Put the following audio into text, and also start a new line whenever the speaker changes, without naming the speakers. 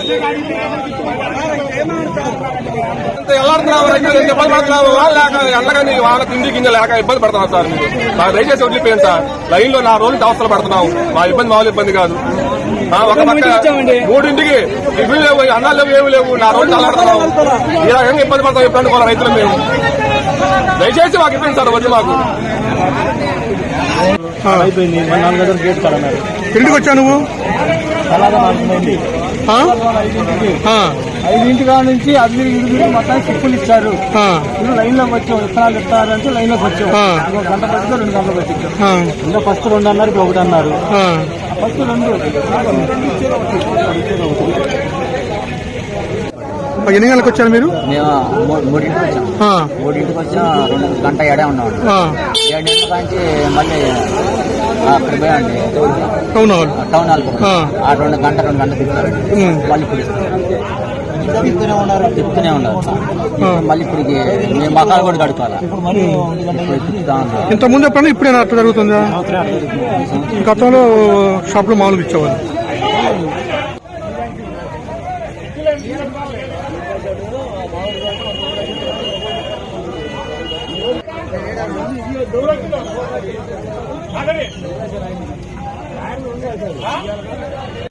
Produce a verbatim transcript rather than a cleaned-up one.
ఎల్లాడుతున్నావు రైతులు ఎంత ఇబ్బంది పడుతున్నావు లేక ఎండగాని వాళ్ళ తిండి గింజ లేక ఇబ్బంది పడుతున్నావు సార్ మీరు నాకు దయచేసి వదిలిపోయాను సార్ లైన్ లో నా రోజులు అవసరం పడుతున్నావు మా ఇబ్బంది మామూలు ఇబ్బంది కాదు ఒక పక్క మూడింటికి ఇవి లేవు అన్నాలు లేవు ఏమి లేవు నా రోజు అల్లాడుతున్నావు ఈ రకంగా ఇబ్బంది పడతాం ఇబ్బంది కూడా రైతులు మేము దయచేసి మాకు ఇబ్బంది సార్ వచ్చి మాకు
అయిపోయింది నాలుగు గంటలు గేట్ కడన్నారు
ఇంటికి వచ్చా నువ్వు
ఐదింటి కాడ నుంచి అది ఇరుగు మొత్తం సిప్పులు ఇచ్చారు ఇప్పుడు లైన్ లోకి వచ్చాం విత్తనాలు ఇస్తారంటే లైన్ లోకి వచ్చాం ఇంకో గంట పట్టిందో రెండు గంటలకు వచ్చాం ఇంకా ఫస్ట్ రెండు అన్నారు ఇప్పుడు ఒకటి అన్నారు ఫస్ట్ రెండు
ఎన్ని గంటలకు వచ్చారు మీరు?
మేము మూడింటికి వచ్చాం మూడింటికి వచ్చాం రెండు గంట ఏడే ఉన్నాం ఏడింటి నుంచి మళ్ళీ అక్కడ పోయండి
టౌన్ హాల్
టౌన్ హాల్ ఆ రెండు గంట రెండు గంటలు తిప్పుతారండి మళ్ళీ ఇప్పుడు తిప్పుతూనే ఉన్నారు తిప్పుతూనే ఉన్నారు మళ్ళీ ఇప్పటికి మేము మకాలు కూడా కడుకోవాలి తిప్పుతా ఉన్నారు.
ఇంత ముందు ఎప్పుడైనా ఇప్పుడైనా అట్లా జరుగుతుందా? గతంలో షాప్ లో మామూలుగా ఇచ్చేవాళ్ళు.
దూరం